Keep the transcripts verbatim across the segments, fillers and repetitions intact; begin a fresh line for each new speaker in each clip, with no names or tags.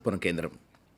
పునఃకేంద్రం.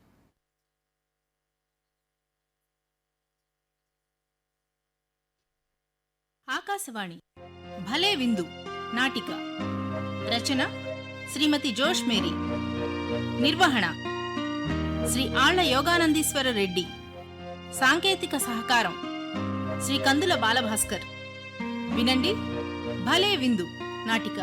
ఆకాశవాణి భలే విందు నాటిక రచన శ్రీమతి జోష్ మేరీ, నిర్వహణ శ్రీ ఆళ్ల యోగానందీశ్వర రెడ్డి, సాంకేతిక సహకారం శ్రీ కందుల బాలభాస్కర్. వినండి భలే విందు నాటిక.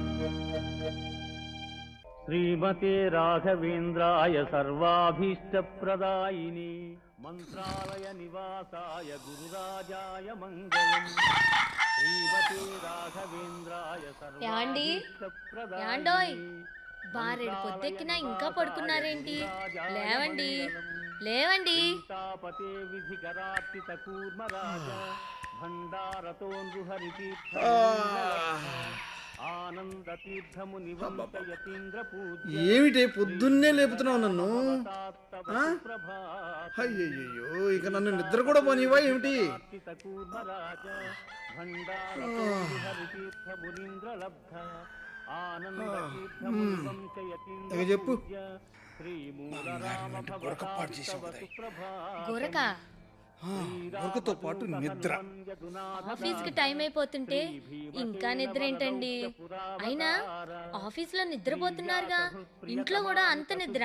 శ్రీమతే రాఘవేంద్రాయ సర్వాభీష్టప్రదాయిని మంత్రాలయ నివాసాయ గురురాజాయ మంగళం. శ్రీమతే రాఘవేంద్రాయ
యాండోయ్, బారెడు పొద్దెక్కినా ఇంకా పడుకున్నారేంటి? లేవండి లేవండి.
తాపతే విధికరార్చిత కూర్మరాజ భండారతో నృహరితీర్థ ఆనంద తీర్థము నివంత యతీంద్ర పూజ్య.
ఏమిటే పొద్దున్నే లేపుతున్నావు నన్ను? అయ్యయ్యో, ఇక నన్ను నిద్ర కూడా పోనివా ఏమిటి?
కూర్మరాజ భండారతో నృహరితీర్థ మునీంద్ర లబ్ధ ఆనంద తీర్థము నివంత యతీంద్ర
చెప్పు.
గోరక,
తో పాటు నిద్ర.
ఆఫీస్ కి టైం అయిపోతుంటే ఇంకా నిద్ర ఏంటండి? అయినా ఆఫీస్ లో నిద్రపోతున్నారుగా, ఇంట్లో కూడా అంత నిద్ర?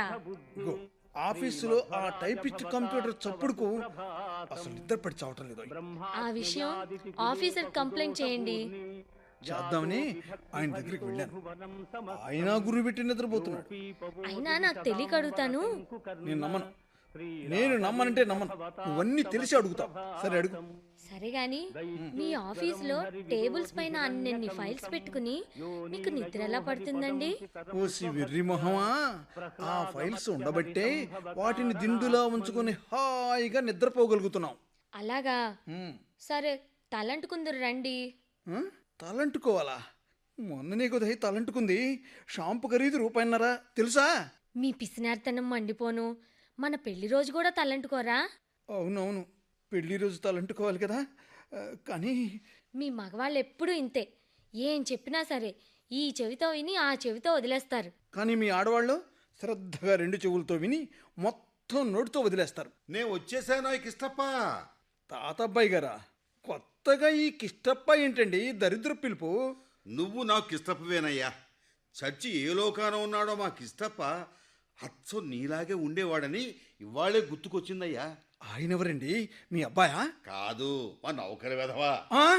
ఆఫీసులో ఆ టైపిస్ట్ కంప్యూటర్ చప్పుడుకు అసలు నిద్ర పడి చావటం లేదు.
ఆ విషయం ఆఫీసర్ కంప్లైంట్ చేయండి.
చేద్దామని ఆయన దగ్గరికి వెళ్ళాను. ఆయన గురువు పెట్టి నిద్రపోతున్నాడు.
అయినా నాకు తెలియక అడుగుతాను.
నేను నమ్మను. నేను నమ్మనంటే నమ్మను. నువ్వన్నీ తెలిసి అడుగుతావు. సరే అడుగు.
సరే గాని, మీ ఆఫీస్ లో టేబుల్స్ పైన అన్ని ఫైల్స్ పెట్టుకుని మీకు నిద్ర ఎలా పడుతుందండి?
ఓసి వెర్రి మొహమా, ఆ ఫైల్స్ ఉండబట్టే వాటిని దిండులా ఉంచుకొని హాయిగా నిద్రపోగలుగుతున్నాం.
అలాగా? సరే, తలంటుకుందరు రండి.
తలంటుకోవాలా? మొన్ననే కొద్ది తలంటుకుంది. షాంపు ఖరీదు రూపాయన్నరా తెలుసా?
మీ పిసినార్తనం మండిపోను. మన పెళ్లి రోజు కూడా తలంటుకోరా?
అవునవును, పెళ్లి రోజు తలంటుకోవాలి కదా. కానీ
మీ మగవాళ్ళు ఎప్పుడూ ఇంతే. ఏం చెప్పినా సరే ఈ చెవితో విని ఆ చెవితో వదిలేస్తారు.
కానీ మీ ఆడవాళ్ళు శ్రద్ధగా రెండు చెవులతో విని మొత్తం నోటితో వదిలేస్తారు.
నేను వచ్చేసాను ఈ కిష్టప్ప.
తాతబ్బాయి గారా? కొత్తగా ఈ కిష్టప్ప ఏంటండి దరిద్ర పిలుపు?
నువ్వు నాకు కిష్టప్పవేనయ్యా. చచ్చి ఏ లోకాన ఉన్నాడో మా కిష్టప్ప అచ్చం నీలాగే ఉండేవాడని ఇవాళే గుర్తుకొచ్చిందయ్యా.
ఆయనెవరండి? మీ అబ్బాయా?
కాదు, మా నౌకరి వెధవా.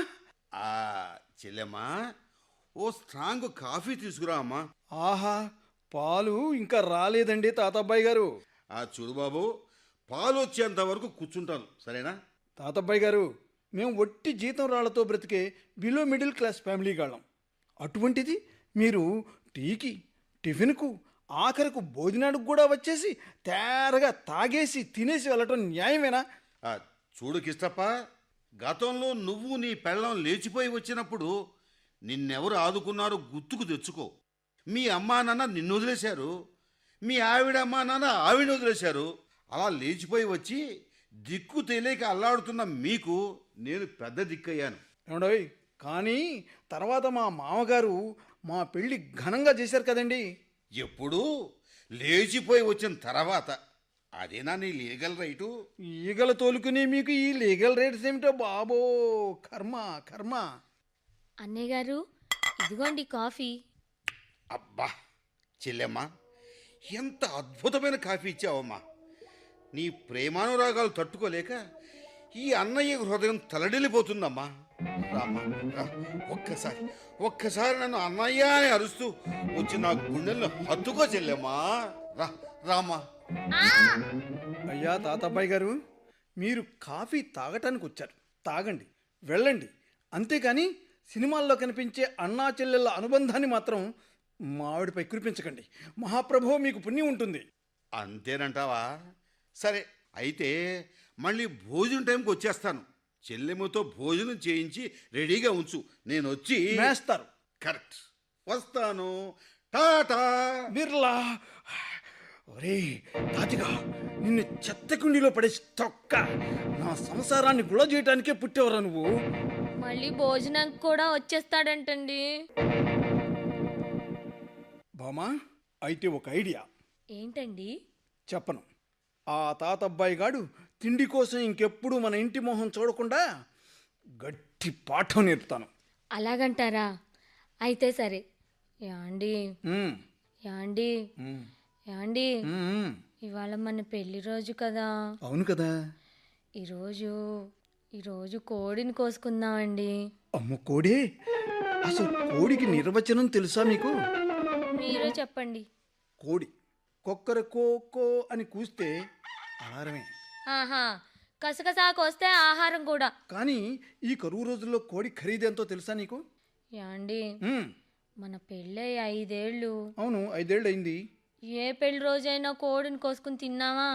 ఆ చెల్లెమ్మా, ఓ స్ట్రాంగ్ కాఫీ తీసుకురా అమ్మా.
ఆహా, పాలు ఇంకా రాలేదండి తాతబ్బాయి గారు.
ఆ చూడు బాబు, పాలు వచ్చేంత వరకు కూర్చుంటాను, సరేనా?
తాతబ్బాయి గారు, మేము ఒట్టి జీతం రాళ్లతో బ్రతికే బిలో మిడిల్ క్లాస్ ఫ్యామిలీ గాళ్ళం. అటువంటిది మీరు టీకి, టిఫిన్కు, ఆఖరకు భోజనానికి కూడా వచ్చేసి తేరగా తాగేసి తినేసి వెళ్ళటం న్యాయమేనా?
చూడు కిష్టప్ప, గతంలో నువ్వు నీ పెళ్ళం లేచిపోయి వచ్చినప్పుడు నిన్నెవరు ఆదుకున్నారో గుర్తుకు తెచ్చుకో. మీ అమ్మా నాన్న నిన్ను వదిలేశారు, మీ ఆవిడ అమ్మా నాన్న ఆవిడ వదిలేశారు. అలా లేచిపోయి వచ్చి దిక్కు తెలియక అల్లాడుతున్న మీకు నేను పెద్ద దిక్కయ్యాను.
ఏమండోయ్, కానీ తర్వాత మా మామగారు మా పెళ్ళి ఘనంగా చేశారు కదండి.
ఎప్పుడు లేచిపోయి వచ్చిన తర్వాత. అదేనా నీ లీగల్ రైటు?
ఈగల తోలుకుని మీకు ఈ లీగల్ రైట్స్ ఏమిటో బాబో, కర్మ కర్మ.
అన్నయ్య గారు, ఇదిగోండి కాఫీ.
అబ్బా చెల్లెమ్మా, ఎంత అద్భుతమైన కాఫీ ఇచ్చావమ్మా. నీ ప్రేమానురాగాలు తట్టుకోలేక ఈ అన్నయ్య హృదయం తలడిల్లిపోతుందమ్మా. రామ్మా రా, ఒక్కసారి ఒక్కసారి నన్ను అన్నయ్య అని అరుస్తూ వచ్చి నా గుండెల్లో హత్తుకో చెల్లెమ్మా. రా రామ్మా.
అయ్యా తాతబ్బాయి గారు, మీరు కాఫీ తాగటానికి వచ్చారు, తాగండి, వెళ్ళండి. అంతేకాని సినిమాల్లో కనిపించే అన్నా చెల్లెళ్ళ అనుబంధాన్ని మాత్రం మావిడిపై కురిపించకండి. మహాప్రభు మీకు పుణ్యం ఉంటుంది.
అంతేనంటావా? సరే, అయితే మళ్ళీ భోజనం టైంకి వచ్చేస్తాను. చెల్లెమ్మతో భోజనం చేయించి రెడీగా ఉంచు, నేను వచ్చి
వేస్తారు.
కరెక్ట్, వస్తాను. టాటా.
బిర్లా, ఒరే తాతిగా, నిన్ను చెత్తకుండీలో పడేసి తొక్క. నా సంసారాన్ని గుళ చేయటానికే పుట్టేవరా నువ్వు?
మళ్ళీ భోజనానికి కూడా వచ్చేస్తాడంటండి.
బామా, అయితే ఒక ఐడియా.
ఏంటండి?
చెప్పను. ఆ తాతబ్బాయి గాడు తిండి కోసం ఇంకెప్పుడు మన ఇంటి మొహం చూడకుండా గట్టి పాఠం నేర్పుతాను.
అలాగంటారా? అయితే సరే. యాండి
ఉమ్,
యాండి
ఉమ్,
యాండి
ఉమ్.
ఇవాళ మన పెళ్లి రోజు కదా.
అవును కదా.
ఈరోజు ఈరోజు కోడిని కోసుకుందామండి.
అమ్మ కోడే, అసలు కోడికి నిర్వచనం తెలుసా మీకు?
మీరే చెప్పండి.
కోడి కొక్కర కో కో అని కూస్తే అలారమే.
ఆహా, కసకసా కోస్తే ఆహారం కూడా.
కానీ ఈ కరువు రోజుల్లో కోడి ఖరీదెంతో తెలుసా నీకు?
యాండి
ఉమ్,
మన పెళ్ళై ఐదేళ్ళు.
అవును, ఐదేళ్ళు అయింది.
ఏ పెళ్లి రోజైనా కోడిని కోసుకుని తిన్నావా?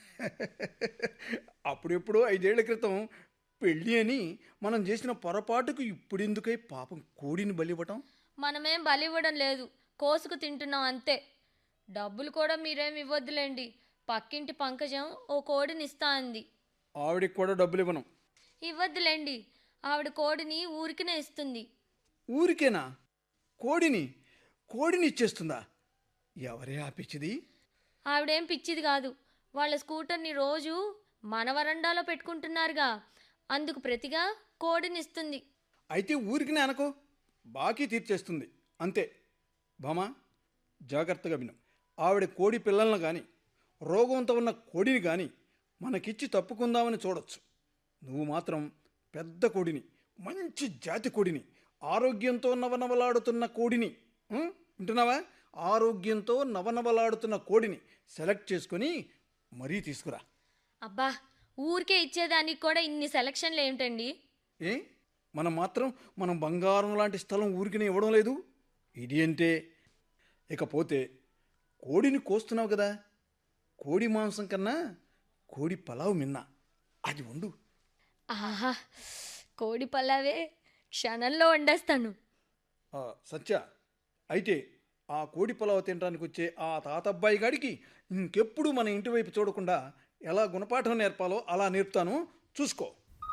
అప్పుడెప్పుడో ఐదేళ్ల క్రితం పెళ్ళి అని మనం చేసిన పొరపాటుకు ఇప్పుడెందుకై పాపం కోడిని బలివ్వటం?
మనమేం బలి ఇవ్వడం లేదు, కోసుకు తింటున్నాం అంతే. డబ్బులు కూడా మీరేం ఇవ్వద్దులేండి. పక్కింటి పంకజం ఓ కోడిని ఇస్తా అంది.
ఆవిడికి కూడా డబ్బులు ఇవ్వను.
ఇవ్వద్దులేండి, ఆవిడ కోడిని ఊరికినే ఇస్తుంది.
ఊరికేనా? కోడిని కోడిని ఇచ్చేస్తుందా? ఎవరే ఆపించింది?
ఆవిడేం పిచ్చిది కాదు. వాళ్ళ స్కూటర్ని రోజు మన వరండాలో పెట్టుకుంటున్నారుగా, అందుకు ప్రతిగా కోడిని ఇస్తుంది.
అయితే ఊరికినే అనుకో, బాకీ తీర్చేస్తుంది అంతే. భామా, జాగ్రత్తగా విను. ఆవిడ కోడి పిల్లలను కానీ రోగంతో ఉన్న కోడిని కానీ మనకిచ్చి తప్పుకుందామని చూడొచ్చు. నువ్వు మాత్రం పెద్ద కోడిని, మంచి జాతి కోడిని, ఆరోగ్యంతో నవనవలాడుతున్న కోడిని, ఉం? వింటున్నావా? ఆరోగ్యంతో నవనవలాడుతున్న కోడిని సెలెక్ట్ చేసుకొని మరీ తీసుకురా.
అబ్బా, ఊరికే ఇచ్చేదానికి కూడా ఇన్ని సెలక్షన్లు ఏమిటండి?
ఏ, మనం మాత్రం మనం బంగారం లాంటి స్థలం ఊరికినే ఇవ్వడం లేదు. ఇది అంటే ఇకపోతే కోడిని కోస్తున్నావు కదా, కోడి మాంసం కన్నా కోడి పలావ్ మిన్నా, అది వండు.
ఆహా, కోడి పలావే క్షణంలో వండేస్తాను.
ఆ, సత్య, అయితే ఆ కోడి పలావ్ తినడానికి వచ్చే ఆ తాతబ్బాయి గాడికి ఇంకెప్పుడు మన ఇంటి వైపు చూడకుండా ఎలా గుణపాఠం నేర్పాలో అలా నేర్పుతాను, చూసుకో.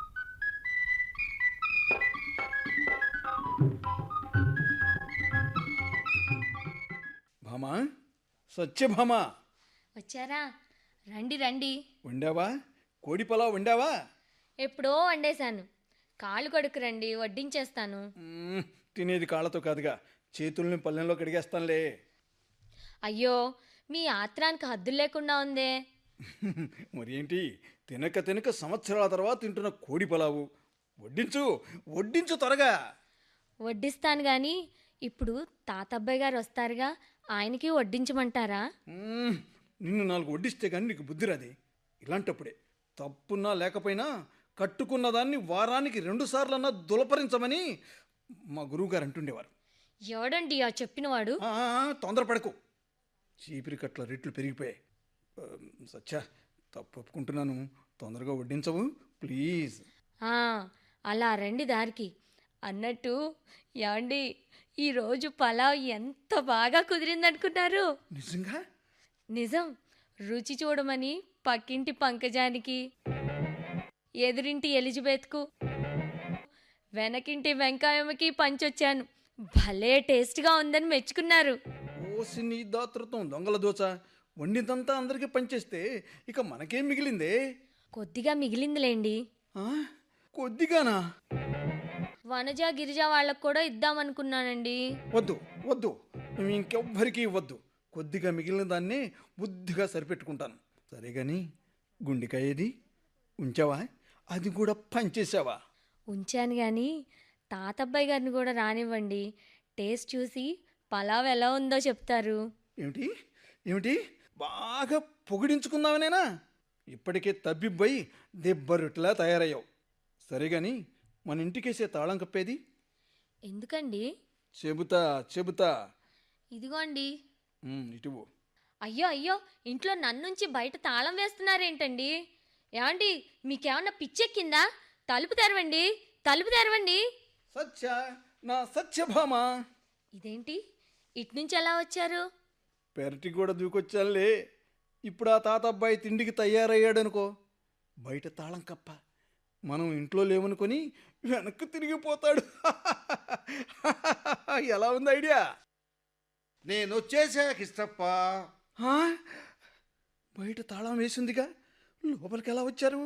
భామా, సత్యభామా,
వచ్చారా? రండి రండి.
వండావా? కోడి పలావ్ వండావా?
ఎప్పుడో వండేశాను. కాళ్ళు కొడుకు రండి, వడ్డించేస్తాను.
మ్మ్, తినేది కాళ్ళతో కాదుగా, చేతుల్ని పల్లెంలో కడిగేస్తానులే.
అయ్యో, మీ ఆత్రానికి హద్దులు లేకుండా ఉందే.
మరి ఏంటి, తినక తినక సంవత్సరాల తర్వాత తింటున్న కోడి పలావు. వడ్డించు వడ్డించు త్వరగా.
వడ్డిస్తాను గాని ఇప్పుడు తాతబ్బాయి గారు వస్తారుగా, ఆయనకి వడ్డించమంటారా?
మ్మ్, నిన్ను నాలుగు వడ్డిస్తే కానీ నీకు బుద్ధి రాది. ఇలాంటప్పుడే తప్పున్నా లేకపోయినా కట్టుకున్న దాన్ని వారానికి రెండు సార్లన్నా దులపరించమని మా గురువుగారు అంటుండేవారు.
ఎవడండి ఆ చెప్పినవాడు?
ఆ, ఆ, తొందరపడకు, చీపిరి కట్ల రేట్లు పెరిగిపోయాయి. ఆ, సత్య, తప్పు ఒప్పుకుంటున్నాను, తొందరగా వడ్డించవు ప్లీజ్.
ఆ, అలా రండి దారికి. అన్నట్టు యాండి, ఈరోజు పలావ్ ఎంత బాగా కుదిరిందనుకున్నారు?
నిజంగా?
నిజం. రుచి చూడమని పక్కింటి పంకజానికి, ఎదురింటి ఎలిజబెత్కు, వెనకింటి వెంకాయమ్మకి పంచొచ్చాను. భలే టేస్ట్గా ఉందని మెచ్చుకున్నారు.
ఓసి నీ దాతృత్వం దొంగల దోచ, వండిందంతా అందరికీ పనిచేస్తే ఇక మనకేం మిగిలిందే?
కొద్దిగా మిగిలిందిలేండి.
ఆ, కొద్దిగానా?
వనజ గిరిజ వాళ్ళకు కూడా ఇద్దామనుకున్నానండి.
వద్దు వద్దు, నువ్వు ఇంకెవ్వరికీ ఇవ్వద్దు. కొద్దిగా మిగిలిన దాన్ని బుద్ధిగా సరిపెట్టుకుంటాను. సరే కానీ గుండెకాయ ఏది? ఉంచావా? అది కూడా పనిచేసావా?
ఉంచాను కానీ తాతబ్బాయి గారిని కూడా రానివ్వండి. టేస్ట్ చూసి పలావ్ ఎలా ఉందో చెప్తారు.
ఏమిటి ఏమిటి బాగా పొగిడించుకుందామనేనా? ఇప్పటికే తబ్బిబ్బయి దెబ్బరుట్లా తయారయ్యావు. సరే కానీ మన ఇంటికేసే తాళం కప్పేది?
ఎందుకండి?
చెబుతా చెబుతా.
ఇదిగోండి.
ఉమ్, ఇటువు.
అయ్యో అయ్యో, ఇంట్లో నన్నుంచి బయట తాళం వేస్తున్నారేంటండి? ఏమండి, మీకేమన్నా పిచ్చెక్కిందా? తలుపు తెరవండి, తలుపు తెరవండి.
సత్య, నా సత్యభామ.
ఇదేంటి, ఇట్నుంచి ఎలా వచ్చారు?
పెరటి కూడా దూకొచ్చానులే. ఇప్పుడు ఆ తాత అబ్బాయి తిండికి తయారయ్యాడనుకో, బయట తాళం కప్ప, మనం ఇంట్లో లేవనుకొని వెనక్కి తిరిగిపోతాడు. ఎలా ఉంది ఐడియా?
నేను వచ్చేసా కిష్టప్ప.
ఆ? బయట తాళం వేసిందిగా, లోపలికి ఎలా వచ్చారు?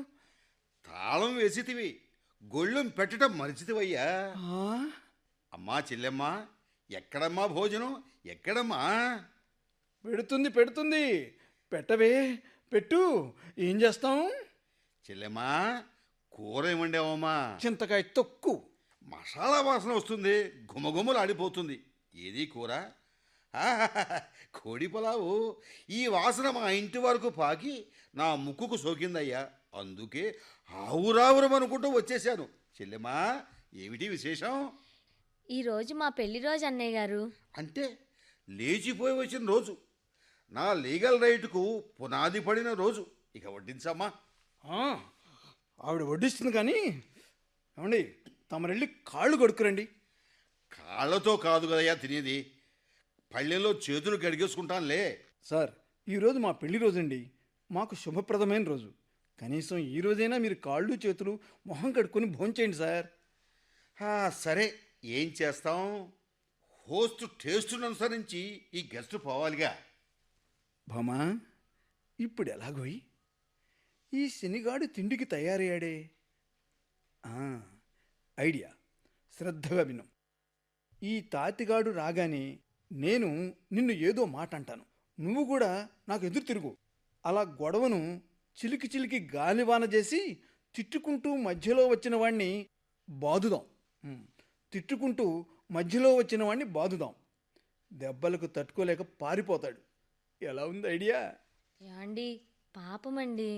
తాళం వేసితివి, గొళ్ళెం పెట్టడం మరిచితివయ్యా.
ఆ?
అమ్మా చెల్లెమ్మా, ఎక్కడమ్మా భోజనం, ఎక్కడమ్మా?
పెడుతుంది పెడుతుంది, పెట్టవే, పెట్టు. ఏం చేస్తాం?
చెల్లెమ్మా, కూర ఏమండావమ్మా?
చింతకాయ తొక్కు.
మసాలా వాసన వస్తుంది, గుమగుమలు ఆడిపోతుంది. ఏది కూర? ఆహాహాహా, కోడి పలావు. ఈ వాసన మా ఇంటి వరకు పాకి నా ముక్కుకు సోకిందయ్యా. అందుకే ఆవురావురం అనుకుంటూ వచ్చేసాను. చెల్లెమ్మా, ఏమిటి విశేషం?
ఈరోజు మా పెళ్లి రోజు అన్నయ్య గారు.
అంటే లేచిపోయి వచ్చిన రోజు, నా లీగల్ రైట్కు పునాది పడిన రోజు. ఇక వడ్డించమ్మా.
ఆ, ఆవిడ వడ్డిస్తుంది కానీ, ఏమండి, తమరెళ్ళి కాళ్ళు కడుక్కురండి.
కాళ్ళతో కాదు కదయ్యా తినేది, పళ్ళెల్లో చేతులు గడిగేసుకుంటానులే.
సార్, ఈరోజు మా పెళ్లి రోజండి. మాకు శుభప్రదమైన రోజు. కనీసం ఈ రోజైనా మీరు కాళ్ళు చేతులు మొహం కడుక్కొని భోంచేయండి సార్.
ఆ, సరే, ఏం చేస్తాం? హోస్ట్ టేస్టును అనుసరించి ఈ గెస్ట్ పోవాలిగా.
భామా, ఇప్పుడు ఎలాగోయి ఈ శనిగాడు తిండికి తయారయ్యాడే. ఆ, ఐడియా, శ్రద్ధగా విను. ఈ తాతిగాడు రాగానే నేను నిన్ను ఏదో మాట అంటాను, నువ్వు కూడా నాకు ఎదురు తిరుగు. అలా గొడవను చిలికి చిలికి గాలివాన చేసి తిట్టుకుంటూ మధ్యలో వచ్చిన వాణ్ణి బాదుదాం. ఉమ్, తిట్టుకుంటూ మధ్యలో వచ్చిన వాణ్ణి బాదుదాం. దెబ్బలకు తట్టుకోలేక పారిపోతాడు. ఎలా ఉంది ఐడియా?
యాండి, పాపమండి.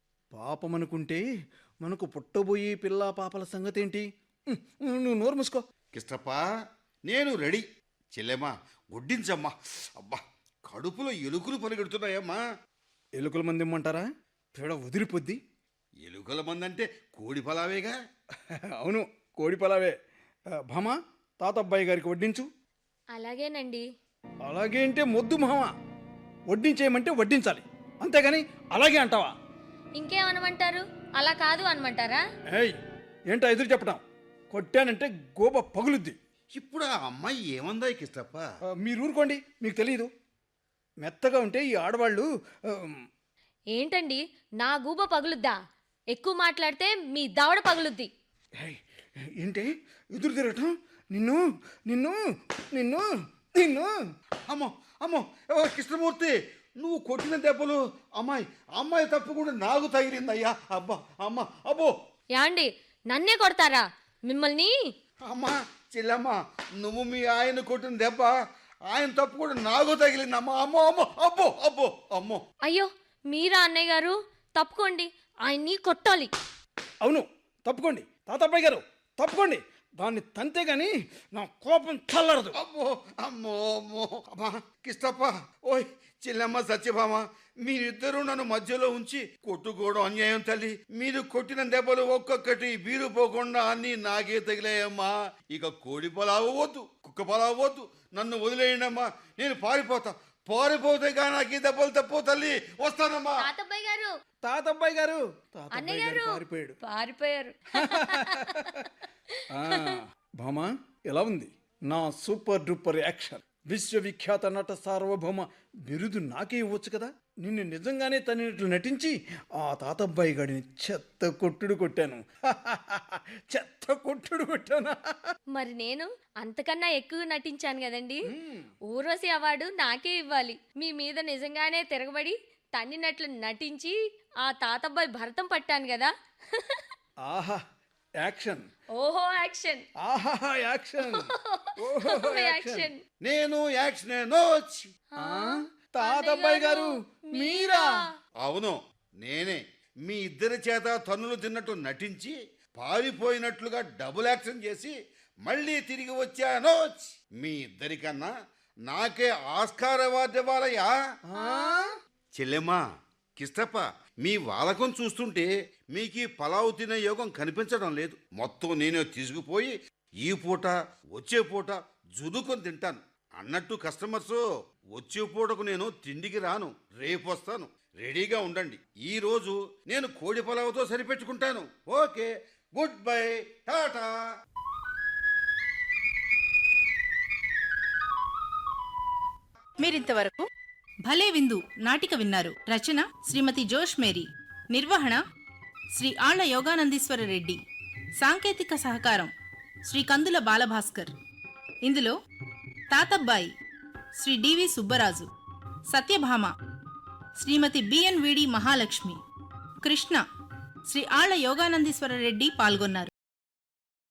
పాపమనుకుంటే మనకు పుట్టబోయే పిల్లా పాపల సంగతేంటి? ఉమ్, నువ్వు నోరు మూసుకో.
కిష్టప్ప, నేను రెడీ. చెల్లెమ్మా, వడ్డించమ్మా. అబ్బా, కడుపులో ఎలుకలు పరిగెడుతున్నాయమ్మా.
ఎలుకల మంది ఇమ్మంటారా? పేడ వదిలిపోద్ది.
ఎలుకల మందంటే కోడి పలావేగా.
అవును, కోడి పలావే. ఆ, భామా, తాతబ్బాయి గారికి వడ్డించు.
అలాగేనండి.
అలాగే అంటే మొద్దు మామ, వడ్డించేయమంటే వడ్డించాలి, అంతేగాని అలాగే అంటావా?
ఇంకేమనమంటారు? అలా కాదు అనమంటారా?
ఏయ్, ఏంటో ఎదురు చెప్పడం? కొట్టానంటే గోబ పగులుద్ది.
ఇప్పుడు ఆ అమ్మాయి ఏమందా కిష్టప్ప?
ఆ, మీరు ఊరుకోండి, మీకు తెలియదు. మెత్తగా ఉంటే ఈ ఆడవాళ్ళు ఆ,
ఏంటండి, నా గూబ పగులుద్దా? ఎక్కువ మాట్లాడితే మీ దవడ పగులుద్ది.
ఏయ్, ఏంటి ఎదురు తిరగటం? నిన్ను నిన్ను నిన్ను నిన్ను
అమ్మో అమ్మో, ఓ కృష్ణమూర్తి, నువ్వు కొట్టిన దెబ్బలు అమ్మాయి అమ్మాయి తప్పకుండా నాకు తగిలిందయ్యా. అబ్బా, అమ్మ, అబ్బో.
యాండి, నన్నే కొడతారా మిమ్మల్ని?
అమ్మా చెల్లమ్మ, నువ్వు మీ ఆయన కొట్టిన దెబ్బ ఆయన తప్పు కూడా నాకు తగిలిందమ్మా. అమ్మో అమ్మో, అబ్బో అబ్బో, అమ్మో.
అయ్యో, మీరా అన్నయ్య గారు? తప్పుకోండి, ఆయన్ని కొట్టాలి.
అవును, తప్పుకోండి తాతబ్బాయి గారు, తప్పుకోండి. దాన్ని తంతే గాని నా కోపం చల్లరదు.
అమ్మో అమ్మో అమ్మో. అమ్మా కిష్టప్ప, ఓయ్ చెల్లమ్మ, సత్యభామ, మీరిద్దరూ నన్ను మధ్యలో ఉంచి కొట్టుకోవడం అన్యాయం తల్లి. మీరు కొట్టిన దెబ్బలు ఒక్కొక్కటి బీరు పోకుండా అన్నీ నాకే తగిలాయమ్మా. ఇక కోడి పొలావు వద్దు, కుక్క పొలావు వద్దు, నన్ను వదిలేయండి అమ్మా. నేను పారిపోతా. పారిపోతే కానీ నాకు ఈ దెబ్బలు తప్పు తల్లి. వస్తానమ్మా.
తాతబ్బాయి గారు,
తాతబ్బాయి గారు,
అన్నయ్య
తాతబ్బాయి
గారు
గారు పారిపోయాడు.
పారిపోయారు.
ఆ, భామా, ఎలా ఉంది నా సూపర్ డూపర్ యాక్షన్? విశ్వవిఖ్యాత నట సార్వభౌమ బిరుదు నాకే ఇవ్వచ్చు కదా. నిన్ను నిజంగానే తనట్లు నటించి ఆ తాతబ్బాయి గాడిని చెత్త కొట్టుడు కొట్టాను. చెత్త కొట్టుడు కొట్టాను.
మరి నేను అంతకన్నా ఎక్కువ నటించాను కదండి. ఊర్వశి అవార్డు నాకే ఇవ్వాలి. మీ మీద నిజంగానే తిరగబడి తన్నినట్లు నటించి ఆ తాతబ్బాయి భరతం పట్టాను కదా.
ఆహా, యాక్షన్.
ఓహో యాక్షన్.
ఆహా, యాక్షన్. ఓహో, యాక్షన్.
యాక్షన్.
నేను యాక్షన్ నోచ్.
ఆ, తాతబ్బాయి గారు మీరా?
అవును, నేనే. మీ ఇద్దరి చేత తన్నులు తిన్నట్టు నటించి పారిపోయినట్లుగా డబుల్ యాక్షన్ చేసి మళ్ళీ తిరిగి వచ్చాను. మీ ఇద్దరికన్నా నాకే ఆస్కార్ అవార్డు ఇవ్వాలయ్యా. చెల్లెమ్మా, కిష్టప్ప, మీ వాలకం చూస్తుంటే మీకు ఈ పలావు తినే యోగం కనిపించడం లేదు. మొత్తం నేనే తీసుకుపోయి ఈ పూట వచ్చే పూట జుదుకొని తింటాను. అన్నట్టు కస్టమర్స్, వచ్చే పూటకు నేను తిండికి రాను, రేపు వస్తాను. రెడీగా ఉండండి. ఈ రోజు నేను కోడి పలావుతో సరిపెట్టుకుంటాను. Okay, good bye, tata.
మీరింతవరకు భలే విందు నాటిక విన్నారు. రచన శ్రీమతి జోష్ మేరీ. నిర్వహణ శ్రీ ఆళ్ల యోగానందీశ్వర రెడ్డి. సాంకేతిక సహకారం శ్రీ కందుల బాలభాస్కర్. ఇందులో తాతబ్బాయి Shri D V Subbaraju, Satyabhama Shrimati B N V D Mahalakshmi, Krishna Shri ఆళ్ల యోగానందీశ్వర రెడ్డి పాల్గొన్నారు.